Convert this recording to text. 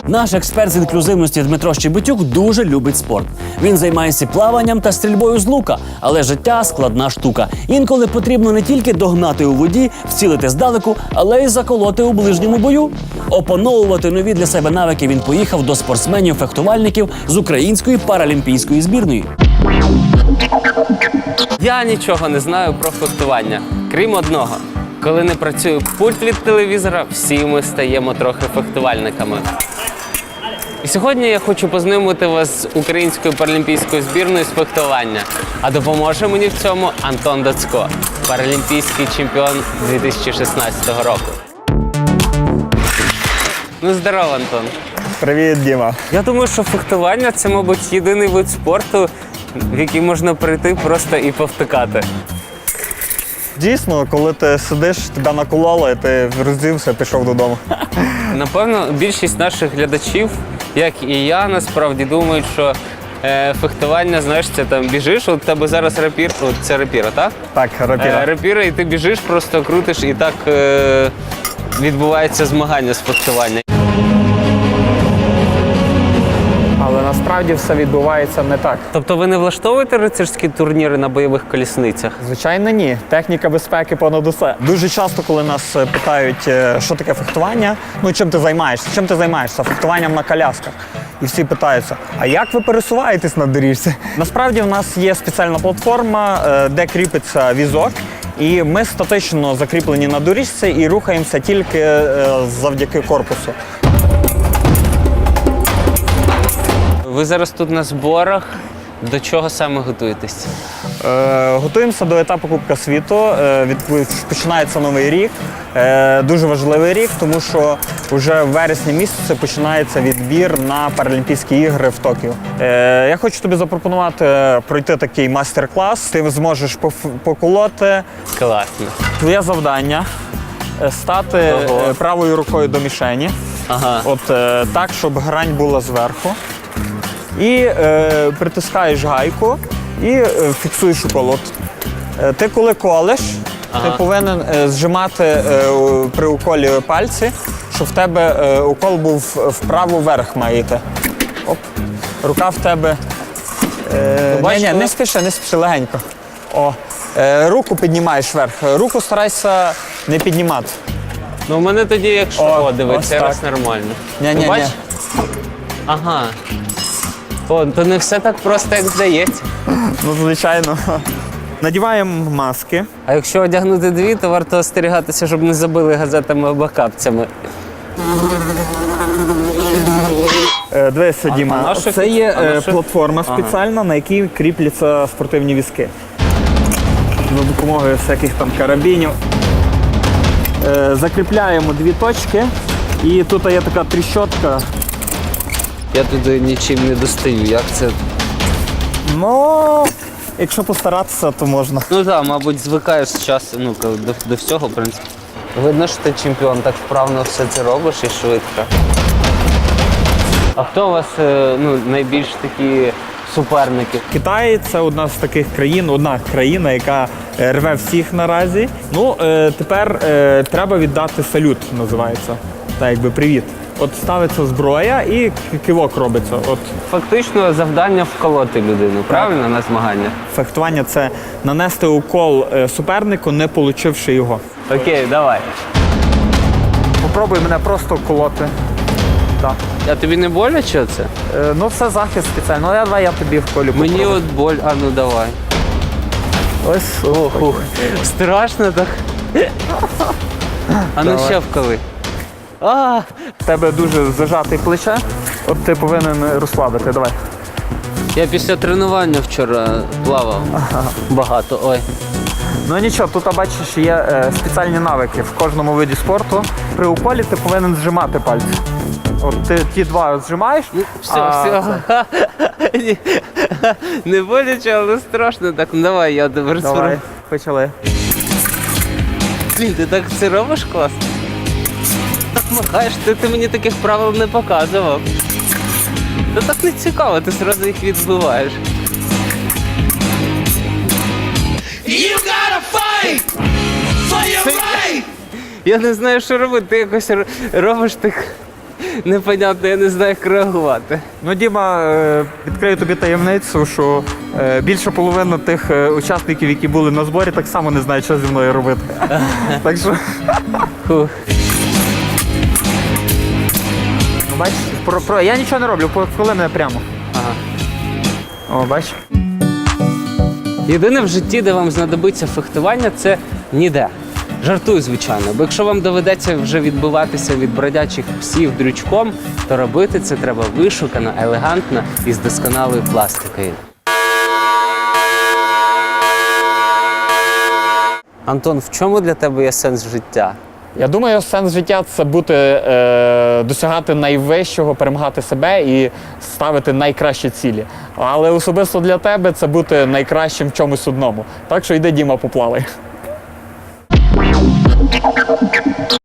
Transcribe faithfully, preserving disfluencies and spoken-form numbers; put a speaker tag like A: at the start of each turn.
A: Наш експерт з інклюзивності Дмитро Щебетюк дуже любить спорт. Він займається плаванням та стрільбою з лука, але життя – складна штука. Інколи потрібно не тільки догнати у воді, вцілити здалеку, але й заколоти у ближньому бою. Опановувати нові для себе навики він поїхав до спортсменів-фехтувальників з української паралімпійської збірної.
B: Я нічого не знаю про фехтування, крім одного. Коли не працює пульт від телевізора, всі ми стаємо трохи фехтувальниками. І сьогодні я хочу познайомити вас з українською паралімпійською збірною з фехтування. А допоможе мені в цьому Антон Дацько, паралімпійський чемпіон дві тисячі шістнадцятого року. Ну, здорово, Антон.
C: Привіт, Діма.
B: Я думаю, що фехтування – це, мабуть, єдиний вид спорту, в який можна прийти просто і повтикати.
C: Дійсно, коли ти сидиш, тебе накололи, і ти роздівся, пішов додому.
B: Напевно, більшість наших глядачів, як і я, насправді думають, що е, фехтування, знаєш, це там біжиш, от у тебе зараз рапір, от це рапіра, так?
C: Так, рапіра.
B: Е, рапіра, і ти біжиш, просто крутиш, і так е, відбувається змагання з фехтування.
D: Але насправді все відбувається не так.
B: Тобто ви не влаштовуєте рицарські турніри на бойових колісницях?
D: Звичайно, ні. Техніка безпеки понад усе.
C: Дуже часто, коли нас питають, е, що таке фехтування, ну чим ти займаєшся? Чим ти займаєшся? Фехтуванням на колясках. І всі питаються, а як ви пересуваєтесь на доріжці? Насправді в нас є спеціальна платформа, е, де кріпиться візок. І ми статично закріплені на доріжці і рухаємося тільки е, завдяки корпусу.
B: Ви зараз тут на зборах. До чого саме готуєтесь?
C: Е, готуємося до етапу Кубка світу. Е, від, починається новий рік. Е, дуже важливий рік, тому що вже в вересні місяці починається відбір на Паралімпійські ігри в Токіо. Е, я хочу тобі запропонувати пройти такий майстер-клас. Ти зможеш поф- поколоти.
B: Класно.
C: Твоє завдання – стати
B: Ого.
C: е, правою рукою до мішені.
B: Ага.
C: От е, так, щоб грань була зверху. І е, притискаєш гайку і е, фіксуєш укол. От, е, ти коли колеш,
B: Ага.
C: ти повинен е, зжимати е, у- при уколі пальці, щоб в тебе е, укол був вправо вверх має йти. Оп. Рука в тебе. Е, ні, ні, не спіши, не спіши, легенько. О, е, руку піднімаєш вверх. Руку старайся не піднімати.
B: Ну, у мене тоді, якщо
C: О,
B: о, дивиться,
C: ось
B: раз
C: так.
B: нормально.
C: Ні-ні-ні.
B: Ну, бач? Ага. О, то не все так просто, як здається.
C: Ну, звичайно. Надіваємо маски.
B: А якщо одягнути дві, то варто остерігатися, щоб не забили газетами або капцями.
C: Е, Дивися, Діма,
B: а на що
C: це
B: фікс-
C: є
B: а на
C: е,
B: що-
C: платформа
B: Ага.
C: спеціальна, на якій кріпляться спортивні візки. За допомогою всяких там карабінів. Е, Закріпляємо дві точки, і тут є така тріщотка.
B: Я туди нічим не достаю, як це?
C: Ну, якщо постаратися, то можна.
B: Ну так, мабуть, звикаєш з часу, ну, до, до всього, в принципі. Видно, що ти чемпіон, так вправно все це робиш і швидко. А хто у вас е, ну, найбільш такі суперники?
C: Китай – це одна з таких країн, одна країна, яка е, рве всіх наразі. Ну, е, тепер е, треба віддати салют, називається. Так, якби привіт. От ставиться зброя і к- кивок робиться. От
B: Фактично завдання вколоти людину, правильно, на змагання?
C: фехтування – це нанести укол е, супернику, не получивши його.
B: Окей, давай.
C: Попробуй мене просто колоти. Так.
B: А тобі не боляче це?
C: Е, ну, це захист спеціально. Ну, я, давай я тобі вколю.
B: Мені
C: попробую.
B: от боль, а ну давай.
C: Ось.
B: Ох, ух. Страшно так. А ну
C: Давай.
B: ще вколи. А,
C: В тебе дуже зажатий плече. От ти повинен розслабити. Давай.
B: я після тренування вчора плавав. Багато, ой.
C: Ну нічого, тут бачиш, є е, спеціальні навики в кожному виді спорту. При уколі ти повинен зжимати пальці. От ти ті два зжимаєш.
B: Все,
C: а
B: все. Ні, не боляче, але страшно. Так, ну давай, я тебе
C: Давай,
B: розповім.
C: почали.
B: Блін, ти так це робиш класно? Так махаєш, ти, ти мені таких правил не показував. Та так не цікаво, ти одразу їх відбиваєш.
E: You gotta fight for your right.
B: Я не знаю, що робити. Ти якось р- робиш так непонятно, я не знаю, як реагувати.
C: Ну, Діма, е, відкрию тобі таємницю, що е, більше половини тих е, учасників, які були на зборі, так само не знають, що зі мною робити. Так що,
B: Фух.
C: ну, бачиш, про, про, я нічого не роблю, коли мене прямо.
B: Ага.
C: О, бачиш?
B: Єдине в житті, де вам знадобиться фехтування, це ніде. Жартую, звичайно, бо якщо вам доведеться вже відбиватися від бродячих псів дрючком, то робити це треба вишукано, елегантно і з досконалою пластикою. Антон, в чому для тебе є сенс життя?
D: Я думаю, сенс життя це бути, е, досягати найвищого, перемагати себе і ставити найкращі цілі. Але особисто для тебе це бути найкращим в чомусь одному. Так що йди, Діма, поплавай.